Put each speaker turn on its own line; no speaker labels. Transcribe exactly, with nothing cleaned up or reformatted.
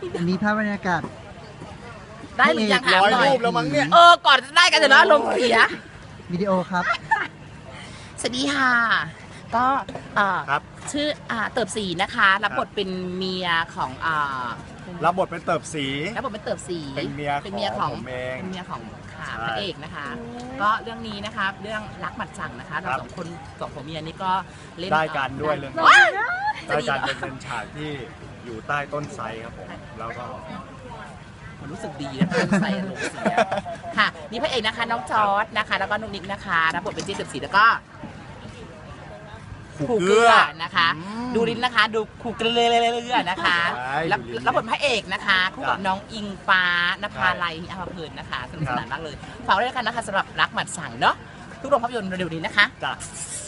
อันนี้ภาพบรรยากาศ
ได้หรือยังถามหน่อย
รูปแล้วมั้งเนี่ย
เออก่อนจะได้กันเดี๋ยวนะลมณ์เสีย
วิดีโอครับ
สวัสดีค่ะ ก็เอ่อ
ครับ
ชื่ออ่าเติบสีนะคะรับบทเป็นเมียของอ่า
รับบทเป็นเติบสี
รับบทเป็นเติบสี
เป็นเมีย
เป็นเมียของ
ผมเอง
เป็นเมียของค่ะ
ใช่
พระเอกนะคะ ก็เรื่องนี้นะคะเรื่องรักหมัดสั่งนะคะเรา
ครับ
สองคนสองผัวเมียนี่ก็เล่น
ได้กันด้วยเรื่องนี้
ว้าย
ได้การเป็นเป็นฉากที่อยู่ใต้ต้นไทรครับผมแล้วก็
มันรู้สึกดีนะใส่ลงเสียค่ะนี่พระเอกนะคะน้องจอร์ดนะคะ แล้วก็นุ๊กนิกนะคะรับบทเป็นเจ๊เติบสีแล้วก็
ขู่เกลือ
นะคะ
อืม
ดูลิ้นนะคะดูขู่เกลือนะคะ
ใช่
แล้ว
ดูลิ้น
แล้วบทพระเอกนะคะคู่กับ
จ้ะ
น้องอิงฟ้านภา
ใช่
ลัยอาภาเพลินนะคะสนุก
ครั
ส
บ
นานมากเลยฝากไว้ด้วยกันนะคะสำหรับรักหมัดสั่งเนาะทุกโรงภาพยนตร์เร็วๆนี้นะคะ
จ้ะ